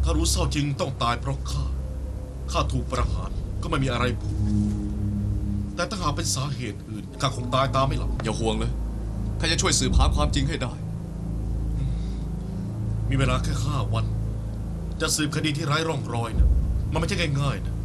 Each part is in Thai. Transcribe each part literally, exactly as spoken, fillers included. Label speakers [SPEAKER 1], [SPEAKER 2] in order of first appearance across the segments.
[SPEAKER 1] ารู้เศร้าจริงต้องตายเพราะข้าข้าถูกประหารก็ไม่มีอะไรผูกแต่ถ้าหากเป็นสาเหตุอื่นข้าคงตายตามไม่หลับ
[SPEAKER 2] อย่าห่วงเลยข้าจะช่วยสืบหาความจริงให้ได้
[SPEAKER 1] มีเวลาแค่ห้าวันจะสืบคดีที่ไร้ร่องรอยนะมันไม่ใช่ง่ายๆนะ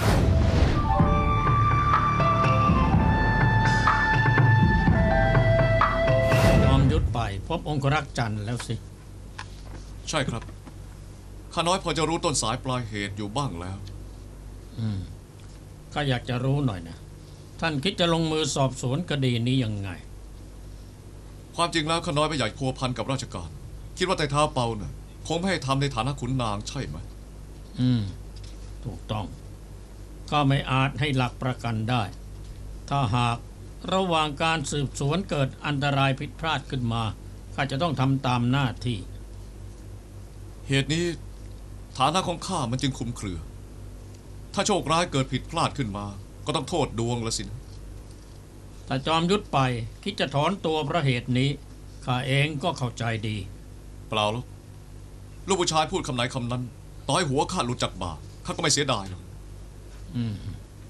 [SPEAKER 3] ยอมยุดไปพบองครักษ์จันทร์แล้วสิ
[SPEAKER 2] ใช่ครับข้าน้อยพอจะรู้ต้นสายปลายเหตุอยู่บ้างแล้ว
[SPEAKER 3] อืมข้าอยากจะรู้หน่อยนะท่านคิดจะลงมือสอบสวนคดีนี้ยังไง
[SPEAKER 2] ความจริงแล้วข้าน้อยไม่อยากพัวพันกับราชการคิดว่าไต่เท้าเปาน่ะคงไม่ให้ทำในฐานะขุนนางใช่ไหม
[SPEAKER 3] อืมถูกต้องก็ไม่อาจให้หลักประกันได้ถ้าหากระหว่างการสืบสวนเกิดอันตรายผิดพลาดขึ้นมาข้าจะต้องทำตามหน้าที่
[SPEAKER 2] เหตุนี้ฐานะของข้ามันจึงคลุมเครือถ้าโชคร้ายเกิดผิดพลาดขึ้นมาก็ต้องโทษดวงละสินะ
[SPEAKER 3] ถ้าจอมยุทธไปคิดจะถอนตัวเพราะเหตุนี้ข้าเองก็เข้าใจดี
[SPEAKER 2] เปล่าหรอกลูกผู้ชายพูดคำไหนคำนั้นต่อให้หัวข้าหลุดจากบ่าข้าก็ไม่เสียดายหรอก
[SPEAKER 3] อืม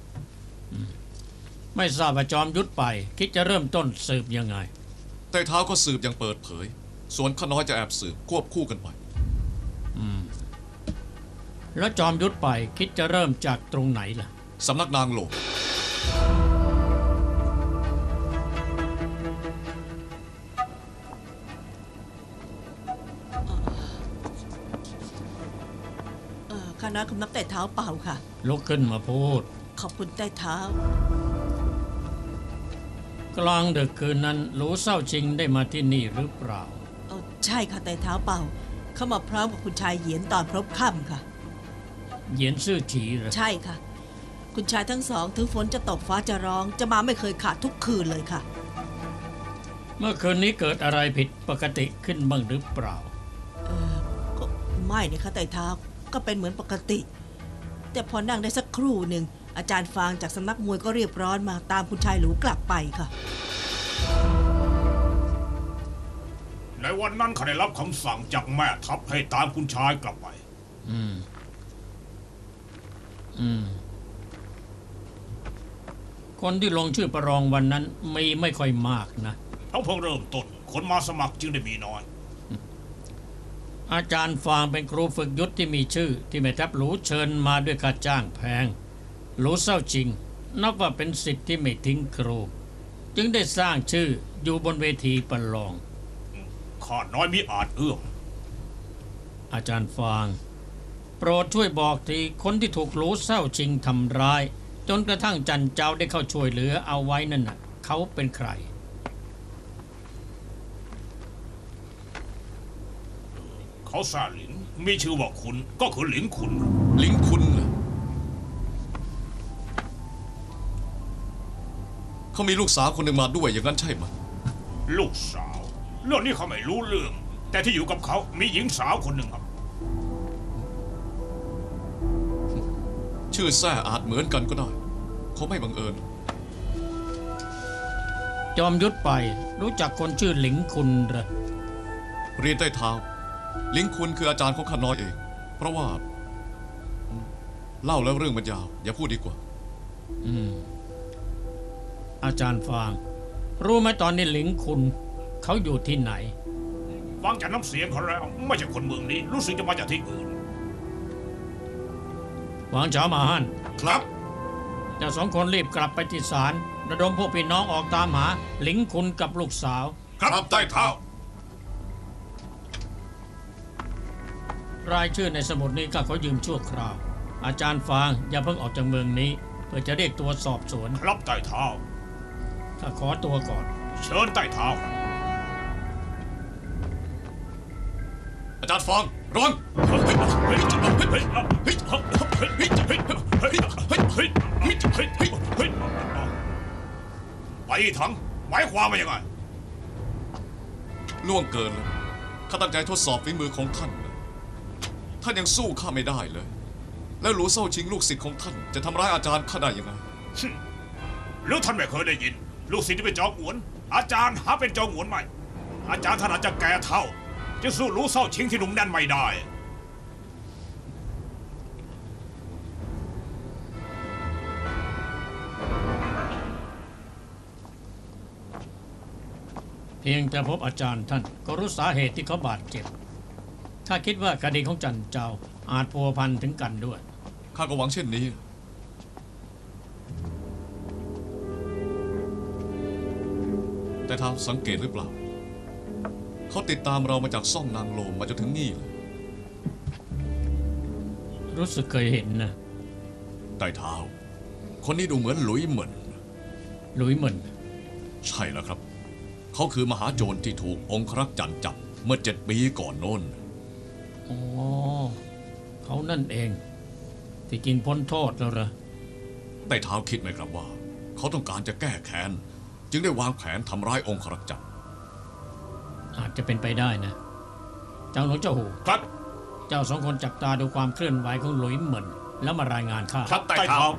[SPEAKER 3] ไม่ทราบว่าจอมยุทธไปคิดจะเริ่มต้นสืบยังไง
[SPEAKER 2] แต่เท้าก็สืบอย่างเปิดเผยส่วนข้าน้อยจะแอบสืบควบคู่กันไป
[SPEAKER 3] อืมแล้วจอมยุทธไปคิดจะเริ่มจากตรงไหนล่ะ
[SPEAKER 2] สำนักนางโหล
[SPEAKER 4] ข้าน้อยคำนับแต่เท้าเปล่าค่ะ
[SPEAKER 3] ลุกขึ้นมาพูด
[SPEAKER 4] ขอบคุณแต่เท้าก
[SPEAKER 3] ลางดึกคืนนั้นรู้เศร้าจริงได้มาที่นี่หรือเปล่า
[SPEAKER 4] เออใช่ค่ะแต่เท้าเปล่าเข้ามาพร้อมกับคุณชายเหยียนตอนพบค่ำค่ะ
[SPEAKER 3] เหยียนซื่อฉีเหรอ
[SPEAKER 4] ใช่ค่ะคุณชายทั้งสองถึงฝนจะตกฟ้าจะร้องจะมาไม่เคยขาดทุกคืนเลยค่ะ
[SPEAKER 3] เมื่อคืนนี้เกิดอะไรผิดปกติขึ้นบ้างหรือเปล่า
[SPEAKER 4] เออก็ไม่นี่ค่ะแต่เท้าก็เป็นเหมือนปกติแต่พอนั่งได้สักครู่หนึ่งอาจารย์ฟางจากสำนักมวยก็เรียบร้อนมาตามคุณชายหลูกลับไปค่ะ
[SPEAKER 5] ในวันนั้นข้าได้รับคำสั่งจากแม่ทัพให้ตามคุณชายกลับไป
[SPEAKER 3] อืมอืมคนที่ลงชื่อประลองวันนั้นมีไม่ค่อยมากนะ
[SPEAKER 5] เขาเพิ่งเริ่มต้นคนมาสมัครจึงได้มีน้อย
[SPEAKER 3] อาจารย์ฟางเป็นครูฝึกยุทธที่มีชื่อที่แม่ทัพหลูเชิญมาด้วยค่าจ้างแพงหลูเศร้าจริงนับว่าเป็นศิษย์ที่ไม่ทิ้งครูจึงได้สร้างชื่ออยู่บนเวทีประลอง
[SPEAKER 5] ข้าน้อยมิอาจเอื้อม
[SPEAKER 3] อาจารย์ฟางโปรดช่วยบอกทีคนที่ถูกหลูเศร้าจริงทำร้ายจนกระทั่งจันเจ้าได้เข้าช่วยเหลือเอาไว้นั่นน่ะเขาเป็นใคร
[SPEAKER 5] เขาซาหลินมีชื่อว่าคุณก็คือหลิงคุณ
[SPEAKER 2] หลิงคุณเหรอเขามีลูกสาวคนหนึ่งมาด้วยอย่างนั้นใช่ไหม
[SPEAKER 5] ลูกสาวเรื่องนี้เขาไม่รู้เรื่องแต่ที่อยู่กับเขามีหญิงสาวคนหนึ่งครับ
[SPEAKER 2] ชื่อแซ่อาจเหมือนกันก็ได้เขาไม่บังเอิญ
[SPEAKER 3] จอมยุทธไปรู้จักคนชื่อหลิงคุณเหรอ
[SPEAKER 2] เรียนใต้เท้าหลิงคุณคืออาจารย์ของข้าน้อยเองเพราะว่าเล่าแล้วเรื่องมันยาวอย่าพูดดีกว่า
[SPEAKER 3] อืมอาจารย์ฟางรู้ไหมตอนนี้หลิงคุณเขาอยู่ที่ไหน
[SPEAKER 5] ฟังจากน้ำเสียงเขาแล้วไม่ใช่คนเมืองนี้รู้สึกจะมาจากที่อื่น
[SPEAKER 3] หวังเฉามาฮั่น
[SPEAKER 5] ครับ
[SPEAKER 3] เจ้าสองคนรีบกลับไปที่ศาลระดมพวกพี่น้องออกตามหาหลิงคุณกับลูกสาว
[SPEAKER 5] ครับใต้เท้
[SPEAKER 3] ารายชื่อในสมุดนี้ก็เขายืมชั่วคราวอาจารย์ฟางอย่าเพิ่งออกจากเมืองนี้เพื่อจะเรียกตัวสอบสวน
[SPEAKER 5] ครับใต้เท้า
[SPEAKER 3] ข้าขอตัวก่อน
[SPEAKER 5] เชิญใต้เท้า
[SPEAKER 2] อาจารย์ฟางระวัง
[SPEAKER 5] ไปถังหมายความว่ายังไง
[SPEAKER 2] ล่วงเกินแล้วข้าตั้งใจทดสอบฝีมือของท่านท่านยังสู้ข้าไม่ได้เลยแล้วหลูเศร้าชิงลูกศิษย์ของท่านจะทำร้ายอาจารย์ข้าได้ยังไง
[SPEAKER 5] หรือท่านไม่เคยได้ยินลูกศิษย์ที่เป็นจอมหวนอาจารย์หาเป็นจอมหวนไหมอาจารย์ท่านอาจจะแก่เท่าจะสู้หลูเศร้าชิงที่หนุ่มแน่นไม่ได้
[SPEAKER 3] เพียงแต่พบอาจารย์ท่านก็รู้สาเหตุที่เขาบาดเจ็บถ้าคิดว่าคดีของจันเจ้าอาจพัวพันถึงกันด้วย
[SPEAKER 2] ข้าก็หวังเช่นนี้ แต่ท้าวสังเกตหรือเปล่า เขาติดตามเรามาจากซ่องนางโลมมาจนถึงนี่เลย
[SPEAKER 3] รู้สึกเคยเห็นนะ
[SPEAKER 2] ไต่เท้า คนนี้ดูเหมือนหลุยเหมือน
[SPEAKER 3] หลุยเหมิน
[SPEAKER 2] ใช่แล้วครับ เขาคือมหาโจรที่ถูกองครักษ์จันจับเมื่อเจ็ดปีก่อนโน้น
[SPEAKER 3] อ๋อเขานั่นเอง ที่จริงพ้นโทษแล้วเหรอ
[SPEAKER 2] ไต่เท้าคิดไหมครับว่า เขาต้องการจะแก้แค้น จึงได้วางแผนทำร้ายองครักษ์จัน
[SPEAKER 3] อาจจะเป็นไปได้นะ เจ้าหนูเจ้าหู
[SPEAKER 5] ครับ
[SPEAKER 3] เจ้าสองคนจับตาดูความเคลื่อนไหวของหลุยเหมินแล้วมารายงานข้า
[SPEAKER 5] ครับไต่เท้า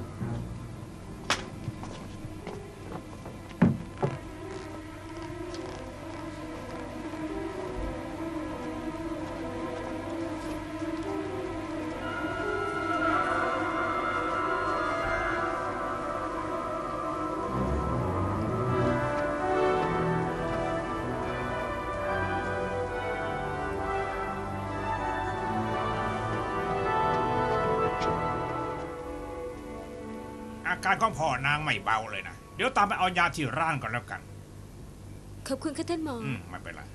[SPEAKER 5] อาการของพ่อนางไม่เบาเลยนะ เดี๋ยวตามไปเอายาที่ร้านก่อนแล้วกัน
[SPEAKER 6] ขอบคุณค่ะท่านหมอ
[SPEAKER 5] อืม ไม่เป็นไร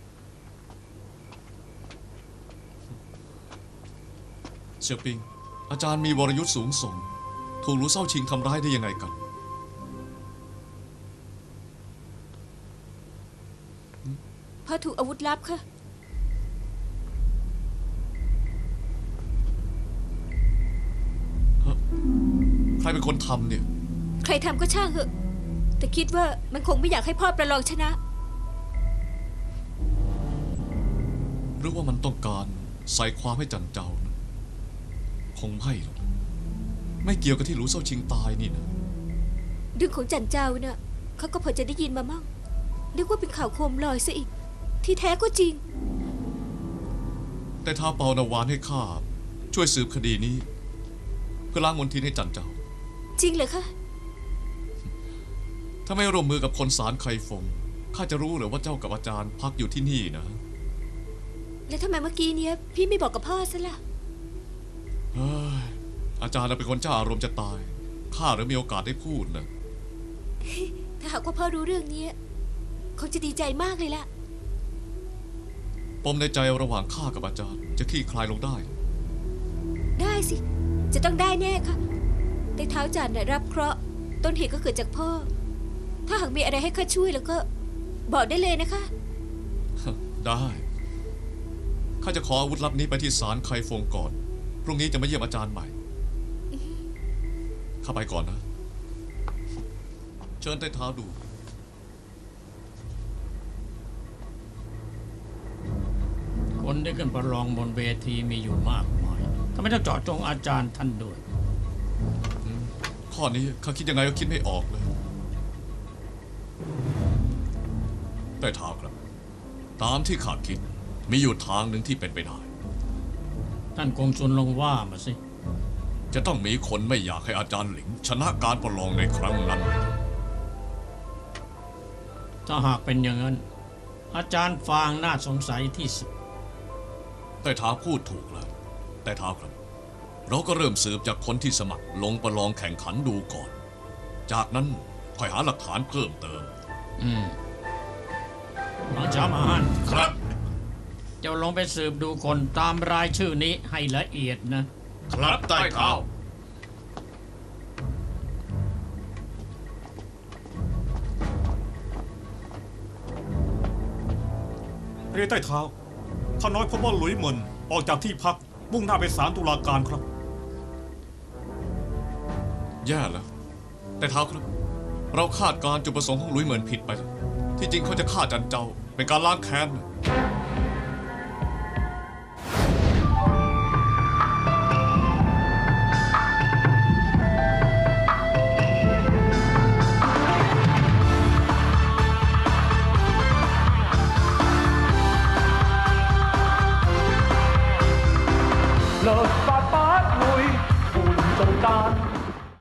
[SPEAKER 2] เสี่ยวปิง อาจารย์มีวรยุทธ์สูงส่ง ถูกหลูเศร้าชิงทำร้ายได้ยังไงกัน
[SPEAKER 6] พ่อถูกอาวุธลับค่ะ
[SPEAKER 2] ใครเป็นคนทำเนี่ย
[SPEAKER 6] ใครทำก็ช่างเหอะ แต่คิดว่ามันคงไม่อยากให้พ่อประลองชนะ
[SPEAKER 2] หรือว่ามันต้องการใส่ความให้จันเจ้านะคงไม่หรอก ไม่เกี่ยวกับที่หลูเศร้าชิงตายนี่นะ
[SPEAKER 6] เรื่องของจันเจ้าน่ะเขาก็พอจะได้ยินมามั่งนึกว่าเป็นข่าวโคมลอยซะอีก ที่แท้ก็จริง
[SPEAKER 2] แต่ท้าเปานาวานให้ข้าช่วยสืบคดีนี้ เพื่อล้างมลทินให้จันเจ้า
[SPEAKER 6] จริงเหรอคะ
[SPEAKER 2] ถ้าไม่ร่วมมือกับคนสารไคฟง ข้าจะรู้เหรือว่าเจ้ากับอาจารย์พักอยู่ที่นี่นะ
[SPEAKER 6] แล้วทำไมเมื่อกี้เนี้ยพี่ไม่บอกกับพ่อซะล่ะ
[SPEAKER 2] เฮ้ย อาจารย์น่ะเป็นคนเจ้าอารมณ์จะตาย ข้าหรือมีโอกาสได้พูดนะ
[SPEAKER 6] ถ้าหากว่าพ่อรู้เรื่องนี้คงจะดีใจมากเลยล่ะ
[SPEAKER 2] ปมในใจระหว่างข้ากับอาจารย์ จะคลี่คลายลงได้
[SPEAKER 6] ได้สิ จะต้องได้แน่ค่ะ แต่เท้าจันน่ะรับเคราะห์ต้นเหตุก็เกิดจากพ่อ ถ้าหากมีอะไรให้ข้าช่วยแล้วก็ บอกได้เลยนะคะ
[SPEAKER 2] ได้ ข้าจะขออาวุธลับนี้ไปที่ศาลไคฟงก่อน พรุ่งนี้จะมาเยี่ยมอาจารย์ใหม่ ข้าไปก่อนนะ เชิญใต้เท้าดู
[SPEAKER 3] คนที่ขึ้นประลองบนเวทีมีอยู่มากมายทำไมต้องเจาะจงอาจารย์ท่านด้วย
[SPEAKER 2] ข้อนี้ข้าคิดยังไงก็คิดไม่ออกเลยใต้เท้าครับ ตามที่ข้าคิด มีอยู่ทางหนึ่งที่เป็นไปได้
[SPEAKER 3] ท่านกงซุนลองว่ามาสิ
[SPEAKER 2] จะต้องมีคนไม่อยากให้อาจารย์หลิง ชนะการประลองในครั้งนั้น
[SPEAKER 3] ถ้าหากเป็นอย่างนั้น อาจารย์ฟางน่าสงสัยที่สุด
[SPEAKER 2] แต่ท้าพูดถูกแล้ว แต่ท้าครับ เราก็เริ่มสืบจากคนที่สมัครลงประลองแข่งขันดูก่อน จากนั้นค่อยหาหลักฐานเพิ่มเติม
[SPEAKER 3] อืมหลังช้ามาฮัน
[SPEAKER 5] ครับ
[SPEAKER 3] เจ้าลองไปสืบดูคนตามรายชื่อนี้ให้ละเอียดนะ
[SPEAKER 1] ครับใต้เท้า
[SPEAKER 7] เรียนใต้เท้าท่านน้อยพบว่าหลุยเหมินออกจากที่พักมุ่งหน้าไปศาลตุลาการครับ
[SPEAKER 2] แย่แล้ว แต่ท้าครับ เราคาดการณ์จุดประสงค์ของหลุยเหมือนผิดไปแล้วที่จริงเขาจะฆ่าจันเจ้า เป็นการล้างแค้น
[SPEAKER 8] 律法不會換做間。